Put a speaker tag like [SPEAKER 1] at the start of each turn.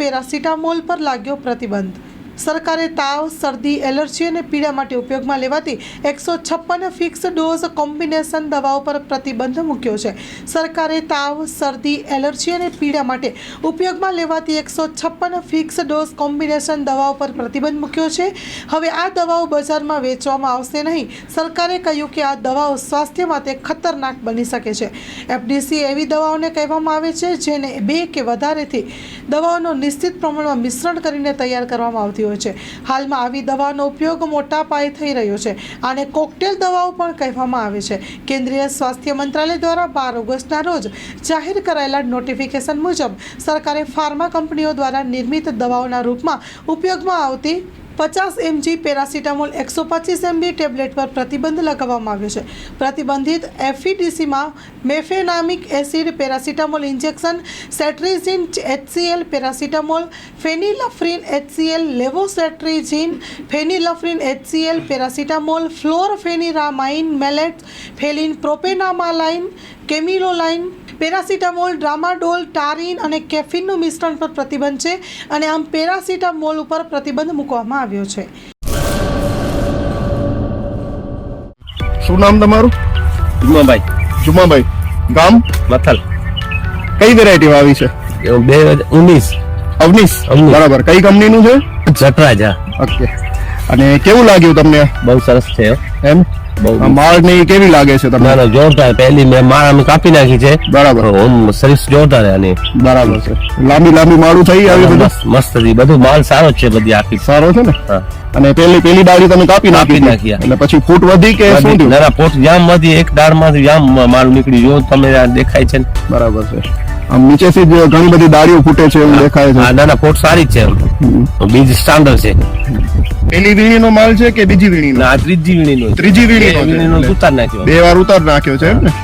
[SPEAKER 1] Paracetamol પર લાગ્યો પ્રતિબંધ। સરકારે તાવ, શરદી, એલર્જી અને પીડા માટે ઉપયોગમાં લેવાતી 156 ફિક્સ ડોઝ કોમ્બિનેશન દવાઓ પર પ્રતિબંધ મૂક્યો છે। સરકારે તાવ, શરદી, એલર્જી અને પીડા માટે ઉપયોગમાં લેવાતી 156 ફિક્સ ડોઝ કોમ્બિનેશન દવાઓ પર પ્રતિબંધ મૂક્યો છે। હવે આ દવાઓ બજારમાં વેચવામાં આવશે નહીં। સરકારે કહ્યું કે આ દવાઓ સ્વાસ્થ્ય માટે ખતરનાક બની શકે છે। એફડીસી એવી દવાઓને કહેવામાં આવે છે જેને 2 કે વધારેથી દવાઓનો નિશ્ચિત પ્રમાણમાં મિશ્રણ કરીને તૈયાર કરવામાં આવતી હોય છે। હાલમાં આવી દવાનો ઉપયોગ મોટા પાયે થઈ રહ્યો છે। આને કોકટેલ દવાઓ પણ કહેવામાં આવે છે। કેન્દ્રીય સ્વાસ્થ્ય મંત્રાલય દ્વારા 12 ઓગસ્ટના રોજ જાહેર કરાયેલા નોટિફિકેશન મુજબ સરકારે ફાર્મા કંપનીઓ દ્વારા નિર્મિત દવાઓના રૂપમાં ઉપયોગમાં આવતી 50 mg પેરાસિટામોલ 125 mg ટેબ્લેટ પર પ્રતિબંધ લગાવવામાં આવ્યો છે। પ્રતિબંધિત એફીડીસીમાં mefenamic acid, paracetamol injection, cetirizine HCl, paracetamol, phenylephrine HCl, levocetirizine, phenylephrine HCl, paracetamol, chlorpheniramine, maleate, ફેલિન, પ્રોપેનામાલાઇન, કેમિલોલાઇન, પેરાસિટામોલ, ડ્રામાડોલ, ટારીન અને કેફીનનું મિશ્રણ પર પ્રતિબંધ છે અને આમ પેરાસિટામોલ ઉપર પ્રતિબંધ મૂકવામાં આવ્યો છે।
[SPEAKER 2] શું નામ તમારું? જુમાભાઈ, ગામ
[SPEAKER 3] મથલ,
[SPEAKER 2] કઈ વેરાયટી આવી છે?
[SPEAKER 3] 2019
[SPEAKER 2] અવનીશ, બરાબર। કઈ કંપનીનું છે?
[SPEAKER 3] જટરાજ।
[SPEAKER 2] ઓકે, અને કેવું લાગ્યું તમને?
[SPEAKER 3] બહુ સરસ છે
[SPEAKER 2] એમ માળ ની કેવી લાગે છે તમને?
[SPEAKER 3] ના જોરદાર, પહેલી મેં માળ અમે કાપી નાખી છે,
[SPEAKER 2] બરાબર।
[SPEAKER 3] સર્વિસ જોરદાર આની,
[SPEAKER 2] બરાબર છે। લાંબી માળું થઈ આવી બધું
[SPEAKER 3] મસ્ત હતી, બધું માલ સારો છે, બધી આખી
[SPEAKER 2] સારો છે ને? અને પેલી ડાળી તમે કાપી નાખી એટલે પછી ફૂટ વધી કે શું થયું?
[SPEAKER 3] ના ફૂટ જામ માંથી એક ડાળ માંથી જામ માલ નીકળી, જો તમે દેખાય છે ને?
[SPEAKER 2] બરાબર છે। આમ નીચેથી જ ઘણી બધી ડાળીઓ ફૂટે છે એવું દેખાય છે।
[SPEAKER 3] ના ફૂટ સારી જ છે, બીજ સ્ટાન્ડર્ડ છે।
[SPEAKER 2] પેલી વીણીનો માલ છે કે બીજી વીણીનો?
[SPEAKER 3] ના ત્રીજી વીણીનો
[SPEAKER 2] ઉતાર નાખ્યો 2 વાર ઉતાર નાખ્યો છે એમ ને?